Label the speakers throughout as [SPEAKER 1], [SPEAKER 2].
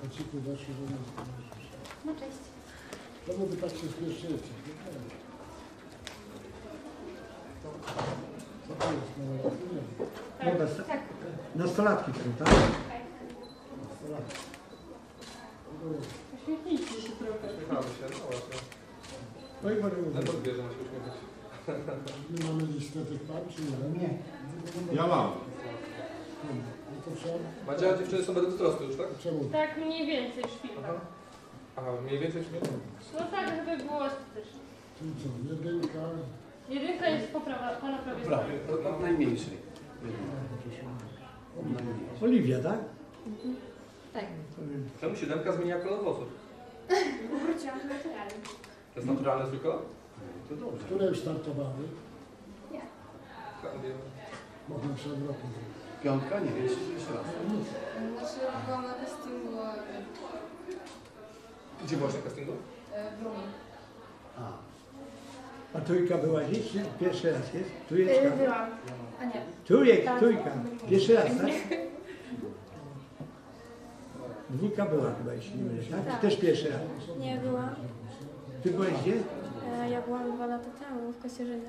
[SPEAKER 1] Kociku doszli do nas.
[SPEAKER 2] No cześć.
[SPEAKER 1] Czemu wy tak się spieszycie? Co to jest? No,
[SPEAKER 2] Tak.
[SPEAKER 3] Nastolatki są, tak?
[SPEAKER 1] nastolatki.
[SPEAKER 2] Uśmiechnijcie się trochę.
[SPEAKER 4] Uśmiechamy się, no właśnie.
[SPEAKER 1] No i bardzo
[SPEAKER 4] Na podbierze ma się uśmiechać.
[SPEAKER 1] my mamy listę tych par, czy nie? Nie.
[SPEAKER 5] Ja mam.
[SPEAKER 1] No to trzeba...
[SPEAKER 4] Madzia, dziewczyny są bez wzrostu już, tak?
[SPEAKER 1] Czemu?
[SPEAKER 2] Tak mniej więcej szpilka.
[SPEAKER 4] Aha, mniej więcej śmiechu.
[SPEAKER 2] No tak, żeby było estetycznie.
[SPEAKER 1] Czyli co? Jedynka...
[SPEAKER 2] Jedynka jest po prawej
[SPEAKER 6] Prawie,
[SPEAKER 2] stronie.
[SPEAKER 6] od najmniejszej.
[SPEAKER 3] Oliwia, tak?
[SPEAKER 2] Tak.
[SPEAKER 4] Czemu 7 zmienia kolor włosów?
[SPEAKER 2] Wróciłam do naturalnie.
[SPEAKER 4] To jest naturalny swój kolor?
[SPEAKER 6] To dobrze.
[SPEAKER 1] Które już startowały?
[SPEAKER 4] Tak, wiem.
[SPEAKER 1] Mogłem przed rokiem.
[SPEAKER 6] Piątka? Nie, jeszcze raz.
[SPEAKER 7] Znaczy byłam na castingu
[SPEAKER 4] Gdzie byłaś na castingu?
[SPEAKER 7] w Rumi.
[SPEAKER 3] A trójka była dziś? Czy pierwszy raz jest? Trójeczka?
[SPEAKER 2] Byłam. A nie.
[SPEAKER 3] Trójka. Pierwszy raz, tak? Dwójka była chyba, jeśli nie mylę, tak?
[SPEAKER 8] Tak.
[SPEAKER 3] Też pierwszy raz.
[SPEAKER 8] Nie byłam.
[SPEAKER 3] Ty byłeś gdzie?
[SPEAKER 8] Ja byłam 2 lata temu w Kosierzynie.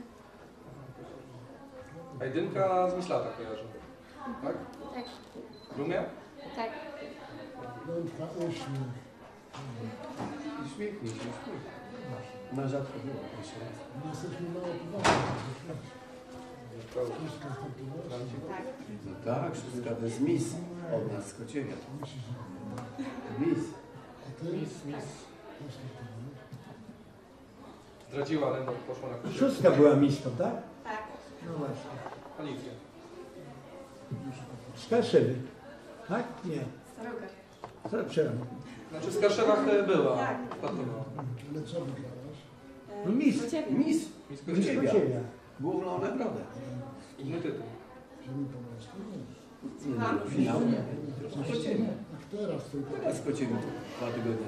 [SPEAKER 4] A jedynka z Myślata kojarzy. Tak?
[SPEAKER 8] Tak.
[SPEAKER 4] Rumia?
[SPEAKER 8] Tak.
[SPEAKER 1] Piątka, uśmiech.
[SPEAKER 6] Uśmiechnij się, uśmiechnij. Na rzadko było, jeszcze raz.
[SPEAKER 1] My jesteśmy mało poważni. Wszystko startowało.
[SPEAKER 6] No tak, szóstka to jest Miss od nas z Kociewia. Miss.
[SPEAKER 1] A ty? Też startowałeś?
[SPEAKER 4] Zdradziła, ale no, poszła na kursie.
[SPEAKER 3] Szóstka była mistą, tak?
[SPEAKER 7] Tak.
[SPEAKER 3] No właśnie.
[SPEAKER 4] Alicja.
[SPEAKER 3] Skarszewy. Tak? Nie.
[SPEAKER 7] Staruga.
[SPEAKER 3] Co przepraszam.
[SPEAKER 4] Znaczy w Skarszewach była.
[SPEAKER 7] Tak.
[SPEAKER 4] Startowała.
[SPEAKER 1] Ale co wygrałaś?
[SPEAKER 3] No Miss.
[SPEAKER 6] Miss.
[SPEAKER 4] Miss
[SPEAKER 3] Miss
[SPEAKER 4] Kociewia.
[SPEAKER 3] Kociewia.
[SPEAKER 6] Główną nagrodę.
[SPEAKER 4] Inny tytuł.
[SPEAKER 1] Ziemi Pomorskiej? Nie.
[SPEAKER 6] Nie, no, finał. Kociewia.
[SPEAKER 1] Jak teraz tylko.
[SPEAKER 6] Teraz Kociewia 2 tygodnie.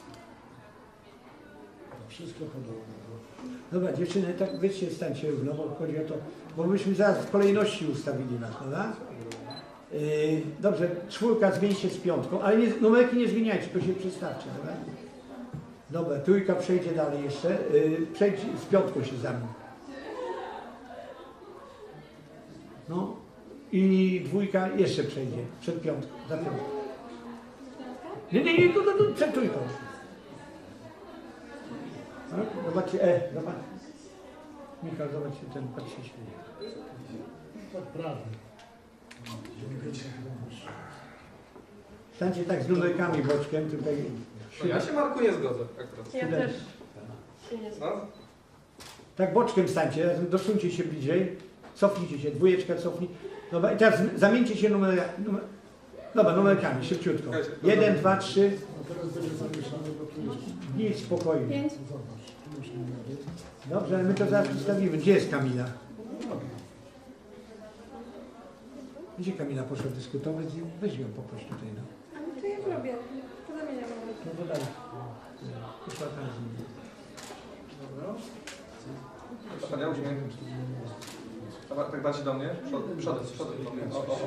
[SPEAKER 1] Wszystko podobne.
[SPEAKER 3] Dobra, dziewczyny, tak wyście stańcie równo, bo chodzi o to, bo myśmy zaraz w kolejności ustawili nas, prawda? Dobrze, czwórka zmieni się z piątką, ale nie, numerki nie zmieniajcie, tylko się przestawcie, dobra? Dobra, trójka przejdzie dalej jeszcze, przejdź z piątką się zamieni. No i dwójka jeszcze przejdzie, przed piątką, za piątką. Nie, tu, przed trójką. Tak? Zobaczcie, zobacz. Michał, zobaczcie, ten patrz się śmieje.
[SPEAKER 1] Tak prawie.
[SPEAKER 3] Stańcie tak z numerkami boczkiem, tutaj.
[SPEAKER 4] No ja się Marku nie zgodzę akurat.
[SPEAKER 2] Ja też się nie zgadzam.
[SPEAKER 4] No?
[SPEAKER 3] Tak boczkiem stańcie, razem dosuńcie się bliżej. Cofnijcie się, dwójeczka cofnij. Dobra, i teraz zamieńcie się numerkami, szybciutko. 1, 2, 3.
[SPEAKER 1] A teraz będzie zamieszane, bo tu jest...
[SPEAKER 3] Nic, spokojnie.
[SPEAKER 8] 5.
[SPEAKER 1] Zobacz, tu już numery.
[SPEAKER 3] Dobrze, ale my to zaraz przedstawimy. Gdzie jest Kamila? Gdzie Kamila poszła dyskutować? Weź ją poproś tutaj. No.
[SPEAKER 8] A to ja robię. To zamieniam.
[SPEAKER 3] No to dalej. Poszła tam z nim.
[SPEAKER 4] Dobra. Ja uśmiech. Dobra, tak bardziej do mnie. Przodem do mnie. O.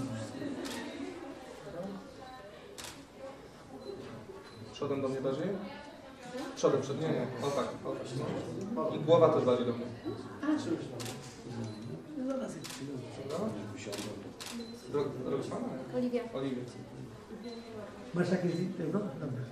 [SPEAKER 4] Przodem do mnie bardziej? Przodem, nie. O tak. No. I głowa też bardziej do mnie. Drogi pana?
[SPEAKER 8] Oliwia.
[SPEAKER 4] Oliwie.
[SPEAKER 3] Masz jakieś tego? Dobra.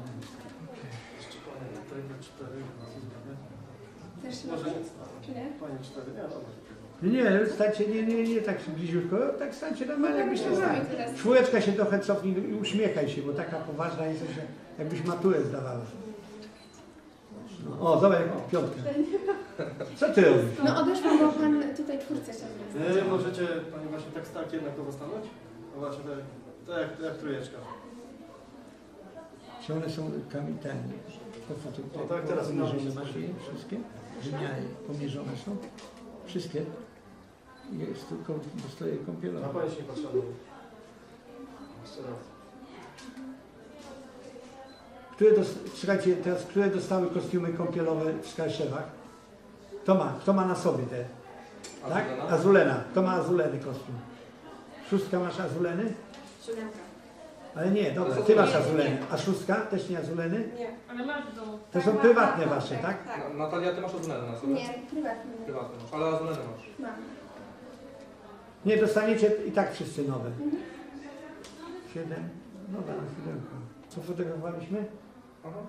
[SPEAKER 8] Też
[SPEAKER 5] Może
[SPEAKER 8] czy nie?
[SPEAKER 5] Panie 4,
[SPEAKER 3] Nie, stańcie, nie tak bliziutko, tak stańcie normalnie, jakbyście stali.
[SPEAKER 8] teraz.
[SPEAKER 3] Czwóreczka się trochę cofnij i uśmiechaj się, bo taka poważna jest, że jakbyś maturę zdawała. No, o, zobacz, piątkę. Co ty robisz?
[SPEAKER 8] No odeszłam, bo pan tutaj czwórce chciał zrobić.
[SPEAKER 5] Nie, możecie Pani właśnie tak stark jednakowo stanąć? No właśnie tak jak trójeczka.
[SPEAKER 3] Czy one są kamitami?
[SPEAKER 5] No tak, teraz
[SPEAKER 3] pomierzone masz je wszystkie? Wymiary pomierzone są? Wszystkie? Jest tylko dostaje
[SPEAKER 5] Na
[SPEAKER 3] kąpielowe.
[SPEAKER 5] Pani się nie patrzyła. Jeszcze raz.
[SPEAKER 3] Słuchajcie, teraz, które dostały kostiumy kąpielowe w Skarszewach? Kto ma na sobie te? Tak? Azulena. Kto ma azuleny kostium? Szóstka masz azuleny?
[SPEAKER 7] 7.
[SPEAKER 3] Ale nie, dobra, ty masz azuleny. A szóstka? Też nie azuleny?
[SPEAKER 8] Nie.
[SPEAKER 2] Ale masz w domu.
[SPEAKER 3] To są prywatne wasze, tak?
[SPEAKER 4] Natalia, ty masz azuleny na sobie?
[SPEAKER 8] Nie, prywatnie.
[SPEAKER 4] Prywatne masz, ale azuleny masz.
[SPEAKER 8] Mam.
[SPEAKER 3] Nie, dostaniecie i tak wszyscy nowe. 7. Dobra, 7. Co fotografowaliśmy?
[SPEAKER 4] Aha.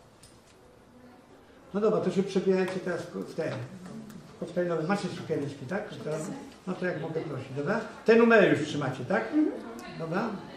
[SPEAKER 3] No dobra, to się przebierajcie teraz w te koktajlowe. Macie sukieneczki, tak? No to jak mogę prosić, dobra? Te numery już trzymacie, tak? Dobra?